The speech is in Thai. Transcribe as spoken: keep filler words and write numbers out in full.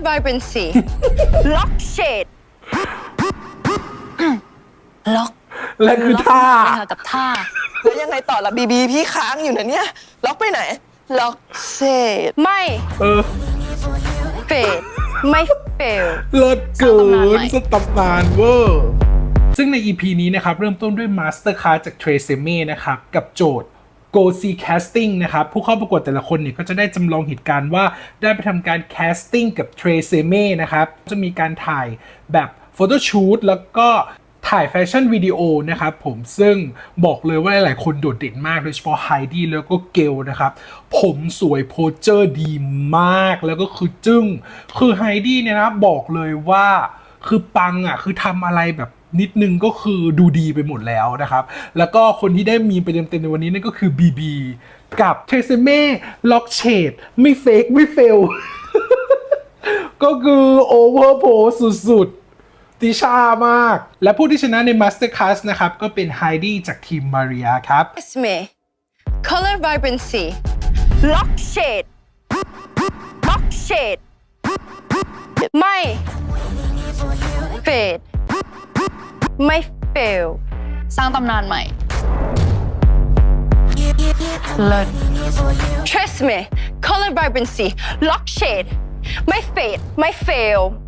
vibrancy lock shade ล็อกและคือท่ากับท่าแล้วยังไงต่อละบีบีพี่ค้างอยู่นะเนี่ยล็อกไปไหนล็อกเซตไม่เออ fade ไม่ fail เลิศเกิสร้างตำนานใหม่นสตำนานเวอร์ซึ่งใน อี พี นี้นะครับเริ่มต้นด้วย Master Class จาก Tresemme นะครับกับโจทย์ Go See Casting นะครับผู้เข้าประกวดแต่ละคนเนี่ยก็จะได้จำลองเหตุการณ์ว่าได้ไปทำการ casting กับ Tresemme นะครับจะมีการถ่ายแบบ Photo Shoot แล้วก็ถ่ายแฟชั่นวิดีโอนะครับผมซึ่งบอกเลยว่าหลายๆคนโดดเด่นมากโดยเฉพาะไฮดี้แล้วก็เกลนะครับผมสวยโพสเจอร์ดีมากแล้วก็คือจึ้งคือไฮดี้เนี่ยนะบอกเลยว่าคือปังอ่ะคือทำอะไรแบบนิดนึงก็คือดูดีไปหมดแล้วนะครับแล้วก็คนที่ได้มีไปเต็มๆในวันนี้นั่นก็คือบีบีกับเทเซเม่ล็อกเชดไม่เฟกไม่เฟล ก็คือโอเวอร์โพสุดๆติชามาก และผู้ที่ชนะใน Master Class นะครับ ก็เป็นไฮดี้จากทีมมาริยาครับ Tresemme color vibrancy lock shade lock shade ไม่ fade ไม่ fail สร้างตำนานใหม่ เลิศ Tresemme color vibrancy lock shade ไม่ fade ไม่ fail